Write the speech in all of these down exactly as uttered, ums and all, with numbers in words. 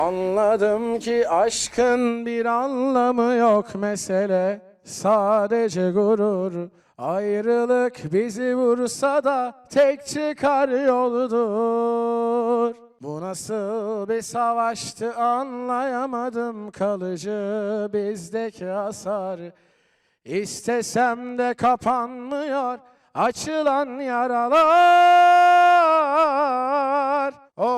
Anladım ki aşkın bir anlamı yok, mesele sadece gurur. Ayrılık bizi vursa da tek çıkar yoldur. Bu nasıl bir savaştı anlayamadım, kalıcı bizdeki hasar. İstesem de kapanmıyor açılan yaralar.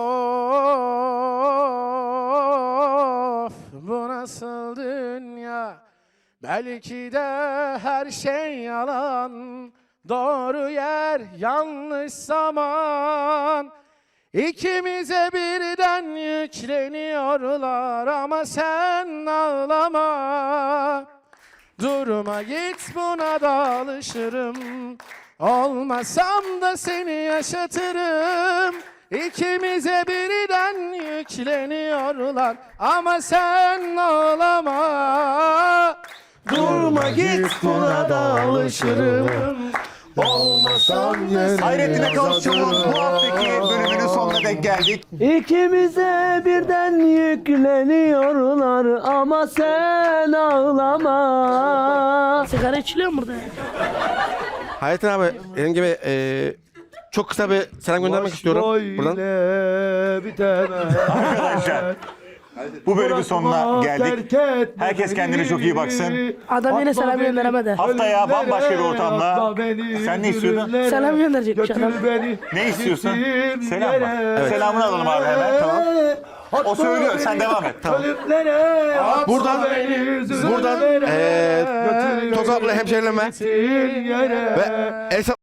Of, bu nasıl dünya? Belki de her şey yalan. Doğru yer, yanlış zaman. İkimize birden yükleniyorlar ama sen ağlama. Durma git, buna da alışırım. Olmasam da seni yaşatırım. İkimize birden yükleniyorlar ama sen ağlama. Durma git, buna da alışırım. Olmasam da seni Hayrettin Akalışçı'nın yaşatırım. bu haftaki bölümünün sonuna denk geldik. İkimize birden yükleniyorlar ama sen ağlama. Sigara içiliyor mu burada? Hayrettin abi, benim gibi eee, çok kısa bir selam göndermek istiyorum buradan. Arkadaşlar bu bölümün sonuna geldik. Herkes kendine çok iyi baksın. Adam yine selam gönderemedi. Haftaya bambaşka bir ortamda. Sen ne istiyordun? Selam gönderecekmiş adam. Ne istiyorsun? Selam mı? Selamını alalım abi hemen. Tamam. O söylüyor, sen devam et. Tamam. Buradan, buradan eee Tozaklı hemşehrilerime ve el